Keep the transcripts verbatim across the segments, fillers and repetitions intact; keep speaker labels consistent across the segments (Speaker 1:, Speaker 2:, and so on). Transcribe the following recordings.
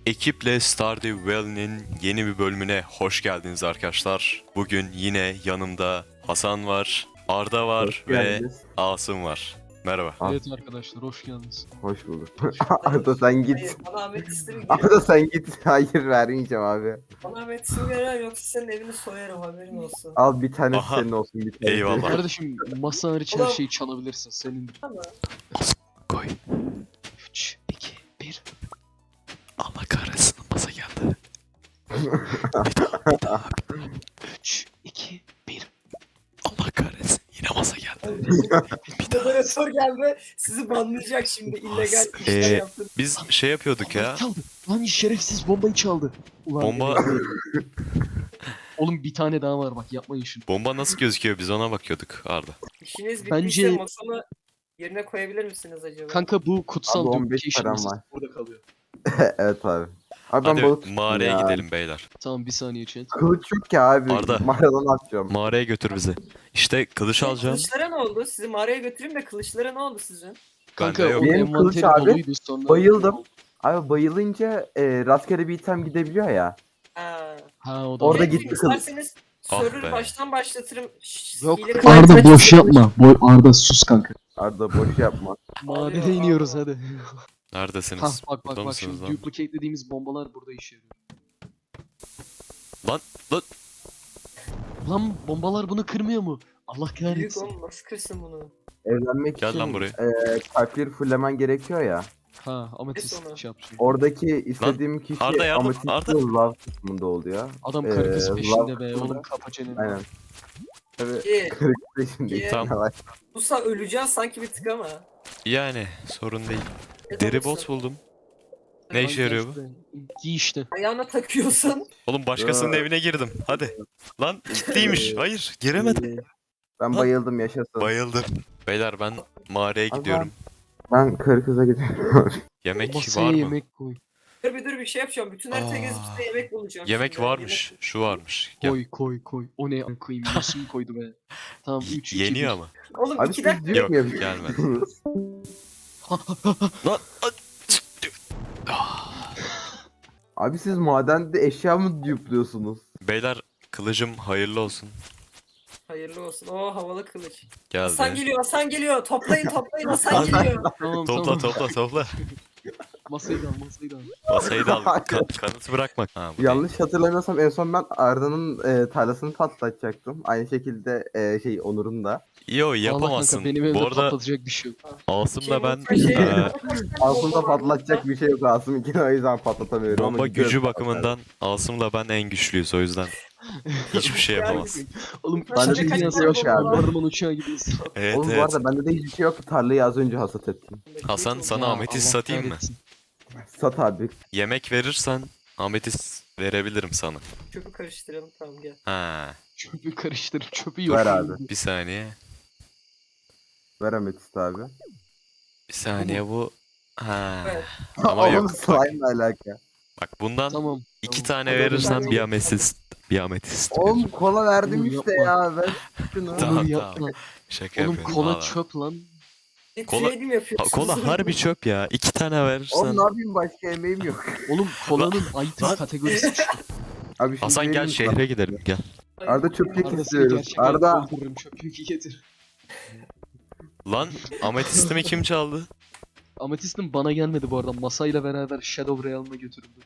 Speaker 1: Ekiple Stardew Valley'nin yeni bir bölümüne hoş geldiniz arkadaşlar. Bugün yine yanımda Hasan var, Arda var
Speaker 2: Hoş
Speaker 1: ve
Speaker 2: geldiniz.
Speaker 1: Asım var. Merhaba.
Speaker 2: Ah.
Speaker 3: Evet arkadaşlar hoş geldiniz.
Speaker 2: Hoş bulduk. Arda sen git.
Speaker 4: Hayır, bana Ahmet isim
Speaker 2: Arda sen git. Hayır vermeyeceğim abi.
Speaker 4: Bana Ahmet isim veren yoksa senin evini soyarım haberin olsun.
Speaker 2: Al bir tane
Speaker 1: Aha.
Speaker 2: senin olsun bir tane.
Speaker 1: Eyvallah.
Speaker 3: Kardeşim masa hariç her
Speaker 4: Ulan-
Speaker 3: şeyi çalabilirsin senin.
Speaker 4: Ama
Speaker 1: Koy.
Speaker 3: üç, iki, bir.
Speaker 1: Allah kahretsin masa geldi.
Speaker 3: üç, iki, bir.
Speaker 1: Allah kahretsin yine masa geldi.
Speaker 4: moderatör geldi sizi banlayacak şimdi illegal
Speaker 1: As-
Speaker 4: işler
Speaker 1: Ee,
Speaker 4: yaptın.
Speaker 1: Biz şey yapıyorduk ya.
Speaker 3: Çaldı. Lan şerefsiz bombayı çaldı. Ulan
Speaker 1: Bomba
Speaker 3: Oğlum bir tane daha var bak yapmayın şunu.
Speaker 1: bomba nasıl gözüküyor biz ona bakıyorduk Arda.
Speaker 4: İşiniz
Speaker 3: Bence-
Speaker 4: bittiyse masamı yerine koyabilir misiniz acaba?
Speaker 3: Kanka bu kutsal
Speaker 2: Abi on beş
Speaker 3: duplication
Speaker 2: param
Speaker 3: masası
Speaker 2: var.
Speaker 3: burada kalıyor.
Speaker 2: Evet abi. Abi ben
Speaker 1: Hadi
Speaker 2: balık tuttum
Speaker 1: mağaraya
Speaker 2: ya.
Speaker 1: gidelim beyler.
Speaker 3: Tamam bir saniye chat.
Speaker 2: Kılıç yok ki abi.
Speaker 1: Arda.
Speaker 2: Mağaradan atacağım.
Speaker 1: Mağaraya götür bizi. İşte kılıç
Speaker 4: Sizin
Speaker 1: alacağım.
Speaker 4: Kılıçlara ne oldu? Sizi mağaraya götüreyim de kılıçlara ne oldu sizin?
Speaker 3: Kanka
Speaker 1: Bende yok.
Speaker 3: onun
Speaker 2: Benim kılıç
Speaker 3: envanteri
Speaker 2: abi,
Speaker 3: doluydu sonra.
Speaker 2: bayıldım. Abi bayılınca e, rastgele bir item gidebiliyor ya.
Speaker 4: Ha.
Speaker 3: Ha o da
Speaker 2: Orada
Speaker 3: var.
Speaker 2: gitti kılıç.
Speaker 4: İsterseniz
Speaker 1: Ah
Speaker 4: server
Speaker 1: be.
Speaker 4: baştan başlatırım. Şşş,
Speaker 3: Yok
Speaker 4: hile-
Speaker 3: Arda boş yapma. Boy Arda sus kanka.
Speaker 2: Arda boş yapma.
Speaker 3: Madene
Speaker 4: Ağlıyor,
Speaker 3: iniyoruz
Speaker 4: ağlıyor.
Speaker 3: hadi.
Speaker 1: Neredesiniz?
Speaker 3: Hah bak bak
Speaker 1: Burada
Speaker 3: bak
Speaker 1: mısınız
Speaker 3: şimdi
Speaker 1: lan?
Speaker 3: duplicate dediğimiz bombalar burada işe yarıyor.
Speaker 1: Lan lan.
Speaker 3: Lan bombalar bunu kırmıyor mu? Allah
Speaker 4: Büyük
Speaker 3: kahretsin.
Speaker 4: oğlum nasıl kırsın bunu?
Speaker 2: Evlenmek
Speaker 1: Gel
Speaker 2: için
Speaker 1: lan buraya.
Speaker 2: e, kalpleri fullemen gerekiyor ya.
Speaker 3: Ha
Speaker 4: Neyse
Speaker 3: ametist
Speaker 4: onu.
Speaker 3: şey yapıyor.
Speaker 2: Oradaki istediğim kişi
Speaker 1: Arda yardım,
Speaker 2: amatist
Speaker 1: Arda.
Speaker 2: love kısmında oluyor.
Speaker 3: Adam
Speaker 2: Ee,
Speaker 3: karı kız
Speaker 2: love
Speaker 3: peşinde be
Speaker 2: kısmında-
Speaker 3: oğlum kapa çeneni.
Speaker 2: Aynen. Tabii
Speaker 4: İyi.
Speaker 2: kırık peşindeyiz.
Speaker 1: Tamam.
Speaker 4: Musa öleceğiz sanki bir tık ama.
Speaker 1: Yani sorun değil.
Speaker 4: Ne
Speaker 1: Deri
Speaker 4: olursa.
Speaker 1: bot buldum. Ne
Speaker 3: Lan
Speaker 1: işe yarıyor bu?
Speaker 3: işte, Giy işte.
Speaker 4: Ayağına takıyorsun.
Speaker 1: Oğlum başkasının
Speaker 2: Ya.
Speaker 1: evine girdim. Hadi. Lan kilitliymiş. Hayır giremedim.
Speaker 2: Ben
Speaker 1: Lan.
Speaker 2: bayıldım yaşasın.
Speaker 1: Bayıldım. Beyler ben mağaraya
Speaker 2: Abi
Speaker 1: gidiyorum.
Speaker 2: Ben karı kıza gidiyorum.
Speaker 1: Yemek
Speaker 3: Masaya
Speaker 1: var mı?
Speaker 3: yemek koy.
Speaker 4: Dur bir dur bir şey yapacağım. Bütün harita
Speaker 1: Aa.
Speaker 4: gezip size yemek bulacağım.
Speaker 1: Yemek
Speaker 4: şimdi.
Speaker 1: varmış. Şu varmış. Gel.
Speaker 3: Koy koy koy. O ne an koyayım? Nasıl mı koydu be? Tamam üç iki
Speaker 1: Yeniyor ama.
Speaker 4: Yemek- Oğlum
Speaker 2: Abi
Speaker 4: iki
Speaker 2: siz
Speaker 4: dakika.
Speaker 2: diyor
Speaker 1: Yok,
Speaker 2: mu yapıyorsunuz?
Speaker 1: gelmedi. Lan.
Speaker 2: Abi siz madende eşya mı dupluyorsunuz?
Speaker 1: Beyler kılıcım hayırlı olsun.
Speaker 4: Hayırlı olsun. Oo havalı kılıç.
Speaker 1: Geldi.
Speaker 4: Hasan geliyor Hasan geliyor. Toplayın toplayın Hasan geliyor.
Speaker 3: Tamam
Speaker 1: Topla
Speaker 3: tamam.
Speaker 1: topla topla.
Speaker 3: Masayı da al masayı da al.
Speaker 1: Masayı da al. Ka- kanıtı bırakma. Ha, bu değil.
Speaker 2: Yanlış hatırlamıyorsam en son ben Arda'nın e, tarlasını patlatacaktım. Aynı şekilde e, şey Onur'un da.
Speaker 1: Yo
Speaker 3: Allah
Speaker 1: yapamazsın.
Speaker 3: kanka benim evde
Speaker 1: Bu arada
Speaker 3: patlatacak bir şey yok.
Speaker 1: Asım'la ben
Speaker 4: Şey-
Speaker 1: eee,
Speaker 2: Aslında patlatacak bir şey yok Asım için o yüzden patlatamıyorum. ama
Speaker 1: bomba
Speaker 2: gidiyorum
Speaker 1: gücü
Speaker 2: patlatmaya.
Speaker 1: bakımından Asım'la ben en güçlüyüz o yüzden. Hiçbir şey yapamaz.
Speaker 3: Oğlum
Speaker 4: Ben
Speaker 3: kaç
Speaker 4: de kaç
Speaker 3: dünyası
Speaker 4: tane
Speaker 3: yok
Speaker 4: bomba var?
Speaker 3: Barman uçağı gibiyiz.
Speaker 1: Evet
Speaker 2: Oğlum bu
Speaker 1: evet.
Speaker 2: arada bende de hiçbir şey yok. Tarlayı az önce hasat ettim.
Speaker 1: Hasan sana
Speaker 3: Ya,
Speaker 1: ametist
Speaker 3: Allah
Speaker 1: satayım mı?
Speaker 3: kahretsin.
Speaker 2: Sat abi.
Speaker 1: Yemek verirsen ametist verebilirim sana.
Speaker 4: Çöpü karıştıralım tamam gel.
Speaker 1: Ha,
Speaker 3: Çöpü karıştırıp çöpü yok.
Speaker 2: Ver abi.
Speaker 1: bir saniye.
Speaker 2: Ver ametist abi.
Speaker 1: Bir saniye bu. Ha.
Speaker 4: Evet.
Speaker 1: Ama
Speaker 2: Oğlum
Speaker 1: yok. Bak,
Speaker 2: slime'la alaka.
Speaker 1: bak bundan
Speaker 3: Tamam.
Speaker 1: iki
Speaker 3: tamam.
Speaker 1: tane
Speaker 3: Hadi
Speaker 1: verirsen
Speaker 4: hadi.
Speaker 1: bir ametist. Bir ametist.
Speaker 2: Oğlum kola verdim
Speaker 3: Oğlum
Speaker 2: işte
Speaker 3: yapma.
Speaker 2: ya. Ver şunu.
Speaker 1: Tamam,
Speaker 3: Oğlum yapma.
Speaker 1: tamam. Şaka
Speaker 3: Oğlum
Speaker 1: yapıyorum.
Speaker 3: kola
Speaker 1: Al.
Speaker 3: çöp lan.
Speaker 4: Bir
Speaker 1: Kola-
Speaker 4: trade'im
Speaker 1: Ha,
Speaker 4: yapıyorsunuz.
Speaker 1: kola harbi çöp ya. İki tane verirsen.
Speaker 2: Oğlum ne yapayım başka yemeğim yok.
Speaker 3: Oğlum kolanın item
Speaker 1: lan.
Speaker 3: kategorisi şu.
Speaker 2: Abi şimdi
Speaker 1: Hasan gel
Speaker 2: vereyim sana.
Speaker 1: şehre gidelim gel.
Speaker 2: Arda çöp kek
Speaker 3: Arda seni
Speaker 2: istiyoruz.
Speaker 3: gerçekten
Speaker 2: Arda.
Speaker 3: öldürürüm çöpü getir.
Speaker 1: Lan ametistimi kim çaldı?
Speaker 3: Ametist'in bana gelmedi bu arada. Masayla beraber Shadow Realm'a götürüldü.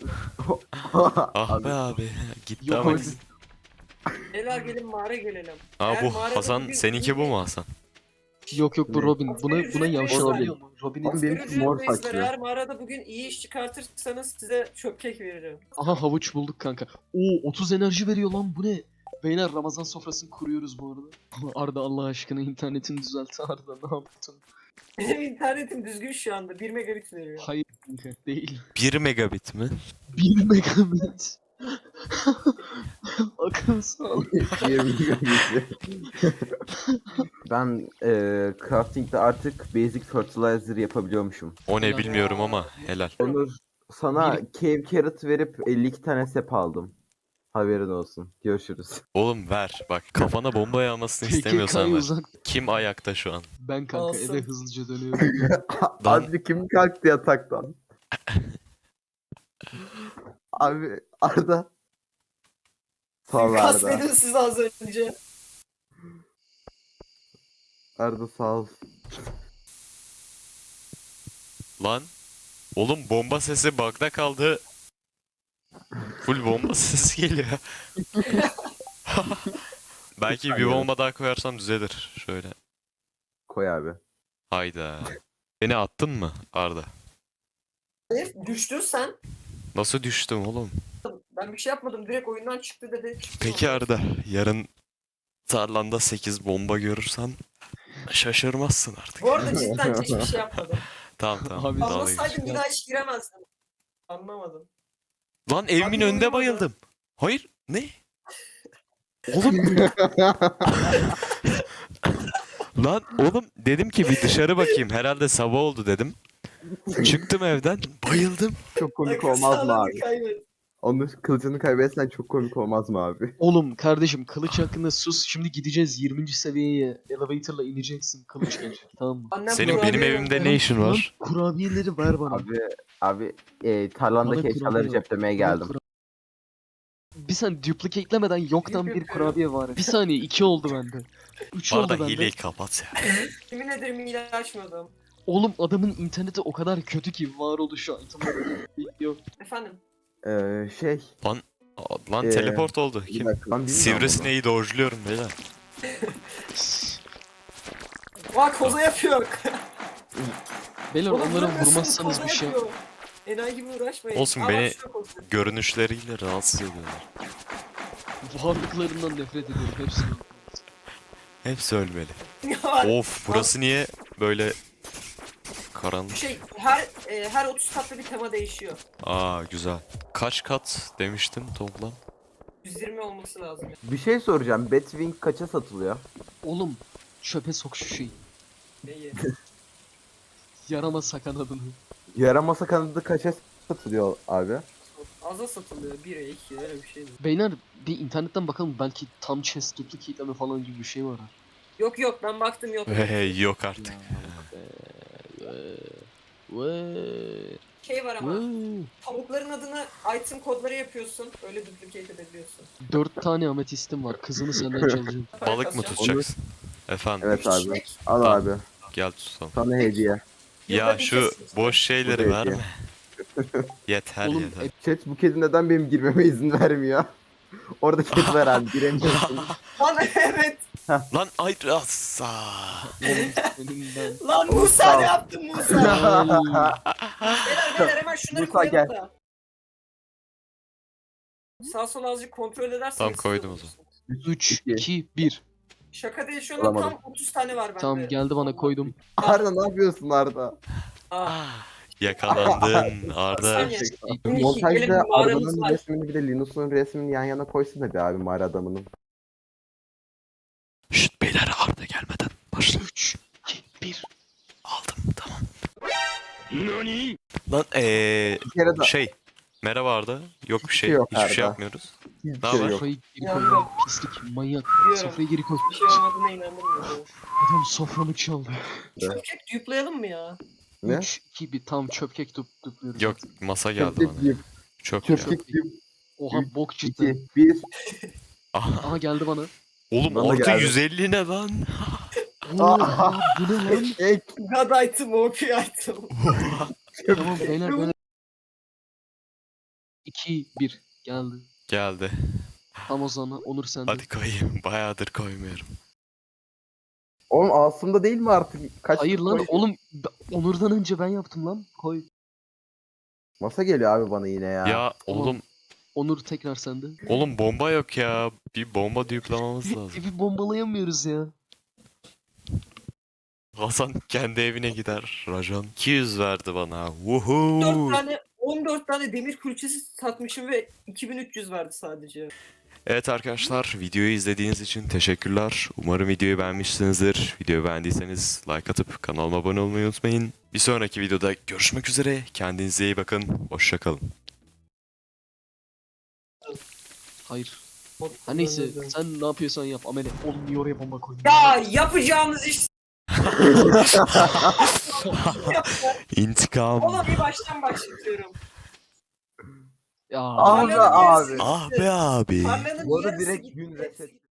Speaker 1: Ah be abi. Gitti
Speaker 3: Yok
Speaker 1: ametist.
Speaker 4: Beyler gelin mağara gelelim.
Speaker 1: Aa
Speaker 4: Eğer
Speaker 1: bu
Speaker 4: mağarada
Speaker 1: Hasan
Speaker 4: bugün
Speaker 1: seninki
Speaker 4: iyi
Speaker 1: bu
Speaker 4: bir-
Speaker 1: mu Hasan?
Speaker 3: Yok yok bu
Speaker 2: Ne?
Speaker 3: Robin. Buna buna
Speaker 4: Ücret
Speaker 3: yavşalıyor mu?
Speaker 2: Oğlum
Speaker 3: Robin'in...
Speaker 2: benim
Speaker 4: Görücü
Speaker 2: mor
Speaker 4: reisler,
Speaker 2: saçlı.
Speaker 4: eğer mağarada bugün iyi iş çıkartırsanız size çöp kek veririm.
Speaker 3: Aha havuç bulduk kanka. Oo otuz enerji veriyor lan bu ne? Beyler Ramazan sofrasını kuruyoruz bu arada. Arda Allah aşkına internetini düzelt Arda ne yaptın?
Speaker 4: Benim internetim düzgün şu anda. bir megabit veriyor.
Speaker 3: Hayır kanka değil.
Speaker 1: bir megabit mi?
Speaker 3: bir megabit. Akıl sağ
Speaker 2: Ben e, crafting'de artık basic fertilizer yapabiliyormuşum.
Speaker 1: O ne
Speaker 3: Helal.
Speaker 1: bilmiyorum ama helal.
Speaker 2: Onur sana
Speaker 3: Bir-
Speaker 2: cave carrot verip elli iki tane sep aldım. Haberin olsun. Görüşürüz.
Speaker 1: Oğlum ver bak kafana bomba yağmasını istemiyorsan
Speaker 3: P K K'yı
Speaker 1: ver.
Speaker 3: uzak.
Speaker 1: Kim ayakta şu an?
Speaker 3: Ben kanka
Speaker 4: Olsun.
Speaker 3: eve hızlıca dönüyorum.
Speaker 1: Lan-
Speaker 2: Abi kim kalktı yataktan? Abi Arda. Sağ ol
Speaker 4: Kas
Speaker 2: Arda.
Speaker 4: dedim size az önce.
Speaker 2: Arda sağ ol.
Speaker 1: Lan. Oğlum bomba sesi bug'da kaldı. Full bomba sesi geliyor. Belki bir
Speaker 2: Aynen.
Speaker 1: bomba daha koyarsam düzelir. Şöyle.
Speaker 2: Koy abi.
Speaker 1: Hayda. Beni attın mı Arda?
Speaker 4: Hayır, düştün sen.
Speaker 1: Nasıl düştüm oğlum?
Speaker 4: Ben bir şey yapmadım. Direkt oyundan çıktı dedi. Çıktı
Speaker 1: Peki
Speaker 4: ondan.
Speaker 1: Arda, yarın tarlanda sekiz bomba görürsen şaşırmazsın artık.
Speaker 4: Bu arada cidden hiçbir şey yapmadım.
Speaker 1: Tamam tamam.
Speaker 3: Abi,
Speaker 1: dalga
Speaker 4: Anlasaydım
Speaker 1: geçtim.
Speaker 4: bir daha hiç giremezdim. Anlamadım.
Speaker 1: Lan evimin
Speaker 4: Abi,
Speaker 1: önünde
Speaker 4: uyumadı.
Speaker 1: bayıldım. Hayır, ne? Oğlum. Lan oğlum dedim ki bir dışarı bakayım. Herhalde sabah oldu dedim. Çıktım evden, bayıldım.
Speaker 2: Çok komik
Speaker 4: Akıl
Speaker 2: olmaz mı
Speaker 4: sağlığını
Speaker 2: abi?
Speaker 4: kaybet.
Speaker 2: Onun kılıcını kaybetsen çok komik olmaz mı abi?
Speaker 3: Oğlum kardeşim kılıç hakkında sus. Şimdi gideceğiz yirminci seviyeye. Elevator'la ineceksin. Kılıç gelecek tamam mı?
Speaker 4: Annem
Speaker 1: Senin
Speaker 4: kurabiye
Speaker 1: benim evimde
Speaker 4: yolladı.
Speaker 1: ne işin
Speaker 3: Lan
Speaker 1: var?
Speaker 3: kurabiyeleri ver bana.
Speaker 2: Abi abi e, tarlandaki
Speaker 3: Bana
Speaker 2: eşyaları
Speaker 3: kurabiye
Speaker 2: ceplemeye
Speaker 3: Bana
Speaker 2: geldim.
Speaker 3: kura- Bir sen duplicate'lemeden yoktan
Speaker 4: Yap
Speaker 3: bir
Speaker 4: yapıyorum.
Speaker 3: kurabiye var. Bir saniye iki oldu bende. Üç oldu
Speaker 1: Arda
Speaker 3: bende.
Speaker 1: hileyi kapat ya.
Speaker 4: Yemin ederim hile açmadım.
Speaker 3: Oğlum adamın interneti o kadar kötü ki varoluşu itemleri yok.
Speaker 4: Efendim.
Speaker 2: Ee, şey.
Speaker 1: Aa, Lan
Speaker 2: Ee,
Speaker 1: teleport oldu.
Speaker 2: Bir
Speaker 1: Kim?
Speaker 2: dakika, lan bilmiyorum
Speaker 1: Sivrisineği dojluyorum beyler.
Speaker 4: Bak koza yapıyor.
Speaker 3: Beyler
Speaker 4: Oğlum
Speaker 3: onlara
Speaker 4: bırakıyorsun,
Speaker 3: vurmazsanız
Speaker 4: koza
Speaker 3: bir şey.
Speaker 4: yapıyor. Enayi gibi uğraşmayın.
Speaker 1: Olsun,
Speaker 4: Aa,
Speaker 1: beni-
Speaker 4: bak şurada koza.
Speaker 1: Görünüşleriyle rahatsız ediyorlar.
Speaker 3: Varlıklarından nefret ediyorum hepsini.
Speaker 1: Hepsi ölmeli.
Speaker 4: Ya,
Speaker 1: Of, burası niye böyle karanlık?
Speaker 4: şey her e, her otuz katta bir tema değişiyor.
Speaker 1: Aa güzel. Kaç kat demiştin toplam?
Speaker 4: yüz yirmi olması lazım.
Speaker 2: Bir şey soracağım. Batwing kaça satılıyor?
Speaker 3: Oğlum çöpe sok şu şeyi.
Speaker 4: Neyi?
Speaker 3: Yarama sakan adını.
Speaker 2: Yaramasa kanadı kaça satılıyor abi?
Speaker 4: Aza satılıyor. bire iki öyle bir şey mi?
Speaker 3: Beyler bir internetten bakalım belki tam chest duplicate'leme falan gibi bir şey var. ha.
Speaker 4: Yok yok ben baktım yok.
Speaker 1: Hey, yok artık.
Speaker 3: Vay.
Speaker 4: Şey var ama
Speaker 3: Vay.
Speaker 4: tavukların adını item kodları yapıyorsun. Öyle duplicate edebiliyorsun.
Speaker 3: Dört tane ametistim var. Kızını senden çalacağım.
Speaker 4: Para
Speaker 1: Balık mı
Speaker 4: kasacağım.
Speaker 1: tutacaksın? Efendim,
Speaker 2: Evet abi.
Speaker 4: Çiçek.
Speaker 2: Al
Speaker 1: Tamam.
Speaker 2: abi.
Speaker 1: gel tutalım.
Speaker 2: Sana hediye.
Speaker 1: Ya
Speaker 4: Yılda bir
Speaker 1: şu
Speaker 4: kez-
Speaker 1: boş şeyleri
Speaker 2: Bu da
Speaker 1: verme. Yeter
Speaker 3: Oğlum
Speaker 1: yeter.
Speaker 3: e,
Speaker 2: Chat bu kedi neden benim girmeme izin vermiyor? Orada kedi var abi giremiyorsun.
Speaker 4: Lan evet.
Speaker 1: Lan ay asa.
Speaker 3: oğlum senin ben.
Speaker 4: Lan Musa
Speaker 2: Tamam.
Speaker 4: ne yaptın Musa?
Speaker 3: Ay.
Speaker 4: Beyler beyler hemen şunları
Speaker 2: Musa,
Speaker 4: koyalım
Speaker 2: gel.
Speaker 4: da. Sağ sol azıcık kontrol ederseniz.
Speaker 1: Tamam,
Speaker 4: siz
Speaker 1: koydum o
Speaker 4: olursunuz.
Speaker 3: üç, iki, bir.
Speaker 4: Şaka değil şu an tam
Speaker 2: Alamadım.
Speaker 4: otuz tane var bende.
Speaker 3: Tamam geldi bana koydum.
Speaker 2: Arda ne yapıyorsun Arda?
Speaker 4: Ah.
Speaker 1: Yakalandın Arda.
Speaker 4: Saniye. Gelin bir
Speaker 2: Montajda
Speaker 4: mağaramız
Speaker 2: Arda'nın
Speaker 4: var.
Speaker 2: resmini bir de Linus'un resmini yan yana koysana be abi mağara adamının.
Speaker 1: Şşt beyler, Arda gelmeden başla.
Speaker 3: üç, iki, bir.
Speaker 1: Aldım, tamam. Lan eee
Speaker 2: Bir kere de
Speaker 1: şey. Merhaba Arda. Yok bir
Speaker 2: Hiçbir
Speaker 1: şey.
Speaker 2: şey yok
Speaker 1: Hiçbir şey
Speaker 2: Arda.
Speaker 1: yapmıyoruz.
Speaker 2: hiçbir
Speaker 1: Ne
Speaker 2: şey
Speaker 1: haber?
Speaker 2: yok.
Speaker 3: Sofrayı geri koy.
Speaker 4: Yandım.
Speaker 3: lan, Pislik manyak.
Speaker 4: Biliyorum.
Speaker 3: Sofrayı geri koy.
Speaker 4: Bir şey olmadığına inandırmıyorum.
Speaker 3: Adam soframı çaldı.
Speaker 4: Çöpkek duplayalım mı ya?
Speaker 2: Ne?
Speaker 3: üç, iki, bir. Tam çöpkek dup dupluyoruz.
Speaker 1: Yok,
Speaker 3: artık.
Speaker 1: masa geldi
Speaker 2: Çöpçek
Speaker 1: bana.
Speaker 2: deyip,
Speaker 1: Çok ya.
Speaker 2: çöpçek deyip,
Speaker 3: Oha
Speaker 2: üç,
Speaker 3: bok çıktı.
Speaker 2: iki, bir.
Speaker 1: Aha.
Speaker 3: Aha geldi bana.
Speaker 1: Oğlum
Speaker 2: Bana
Speaker 1: artı
Speaker 2: geldi.
Speaker 1: yüz elli ne lan?
Speaker 3: Oha bu ne lan?
Speaker 2: Ek.
Speaker 4: God item, O P item.
Speaker 3: Tamam beyler böyle. iki, bir. Geldi.
Speaker 1: Geldi.
Speaker 3: Tam o zaman Onur sende.
Speaker 1: Hadi koyayım. Bayağıdır koymuyorum.
Speaker 2: Oğlum Asım'da değil mi artık? Kaç
Speaker 3: Hayır lan
Speaker 2: koy-
Speaker 3: oğlum b- Onur'dan önce ben yaptım lan. Koy.
Speaker 2: Masa geliyor abi bana yine ya.
Speaker 1: Ya
Speaker 3: Tamam.
Speaker 1: oğlum,
Speaker 3: Onur tekrar sende.
Speaker 1: oğlum bomba yok ya. Bir bomba düğümlememiz lazım.
Speaker 3: Evi bombalayamıyoruz ya.
Speaker 1: Hasan kendi evine gider. Rajon iki yüz verdi bana.
Speaker 4: dört
Speaker 1: Woohoo.
Speaker 4: tane on dört tane demir külçesi satmışım ve iki bin üç yüz verdi sadece.
Speaker 1: Evet arkadaşlar, videoyu izlediğiniz için teşekkürler. Umarım videoyu beğenmişsinizdir. Videoyu beğendiyseniz like atıp kanalıma abone olmayı unutmayın. Bir sonraki videoda görüşmek üzere. Kendinize iyi bakın. Hoşça kalın.
Speaker 3: Hayır. Ha neyse sen ne yapıyorsan yap Amele. Oğlum niye oraya bomba koydun?
Speaker 4: Ya yapacağımız iş.
Speaker 1: İntikam.
Speaker 4: Ona bir baştan başlatıyorum.
Speaker 3: Ya
Speaker 2: Ah be
Speaker 4: Tarlanın
Speaker 2: abi.
Speaker 4: yarısı
Speaker 1: Ah
Speaker 4: gitti.
Speaker 1: be abi.
Speaker 4: Tarlanın
Speaker 2: Bu arada
Speaker 4: yarısı
Speaker 2: direkt
Speaker 4: gitti.
Speaker 2: gün reset.